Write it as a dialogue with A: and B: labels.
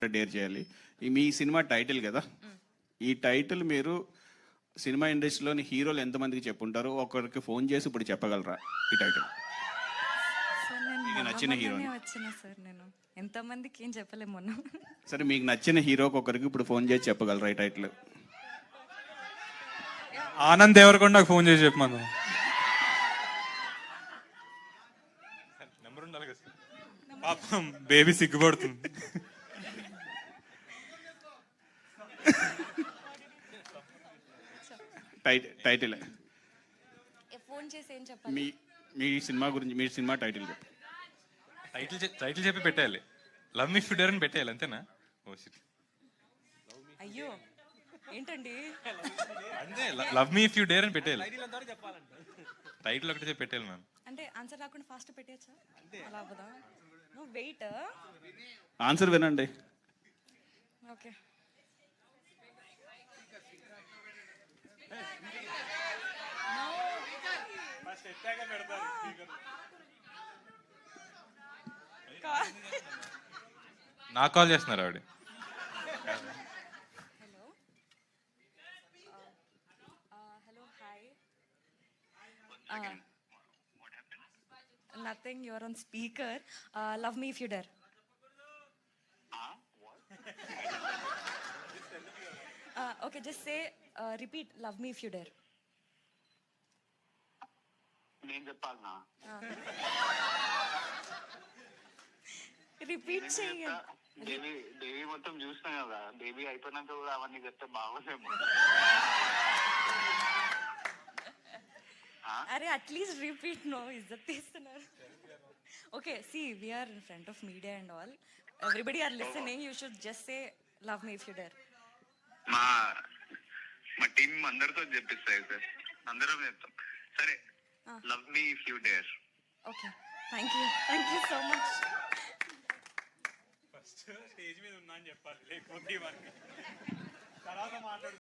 A: Dare చేయాలి. మీ cinema title కదా, ఈ టైటిల్ మీరు సినిమా ఇండస్ట్రీలోని హీరోలు ఎంతమందికి చెప్పుంటారు? ఒకరికి ఫోన్ చేసి ఇప్పుడు చెప్పగలరా ఈ టైటిల్? మీకు నచ్చిన హీరో
B: సార్, నేను ఎంతమందికి ఏం చెప్పలేము మొన్న.
A: సరే, మీకు నచ్చిన హీరోకి ఒకరికి ఇప్పుడు ఫోన్ చేసి చెప్పగలరా ఈ టైటిల్?
C: ఆనంద్ దేవరకొండకు ఫోన్ చేసి చెప్పమను. నెంబర్ ఉండాలి కదా, పాపం బేబీ సిగ్గుపడుతుంది.
A: టైటిల్
B: ఫోన్ చేసి ఏం చెప్పాలి?
A: మీ సినిమా గురించి, మీ సినిమా టైటిల్ చెప్పు.
C: టైటిల్ చెప్పి పెట్టేయాలి. Love me if you dare అని పెట్టేయాలి, అంతేనా? Oh shit.
B: అయ్యో ఏంటండి,
C: అంతే, love me if you dare అని పెట్టేయాలి. టైటిల్ ఒకటి చెప్పి పెట్టేయాలి మ్యామ్.
B: అంటే ఆన్సర్ రాకుండా ఫాస్ట్ పెట్టేయచ్చా? అలా అవ్వదా? No wait.
A: ఆన్సర్ వినండి.
B: ఓకే.
C: నాకు కాల్ చేస్తున్నారు ఆవిడ.
B: Hello hello hi. Nothing, your on speaker. Love me if you dare. Okay, just say repeat love me if you dare.
D: నేను చెప్పాలనా?
B: రిపీట్ చేయండి.
D: దేవి మొత్తం చూసినా కదా, బేబీ అయిపోయినాక కూడా అవన్నీ చెప్తే బాగోలేము.
B: అరే అట్లీస్ట్ రిపీట్. నో, ఇజ్జత్ తీస్తున్నారు. Okay, see we're in front of media and all, everybody are listening. You should just say love me if you dare.
D: మా టీం అందరితో చెప్పిస్తాయి సార్, అందరం చెప్తాం. సరే, love me if you dare.
B: Okay, thank you so much.
C: First stage మీద ఉన్నా అని చెప్పాలి, లేకపోతే తర్వాత మాట్లాడు.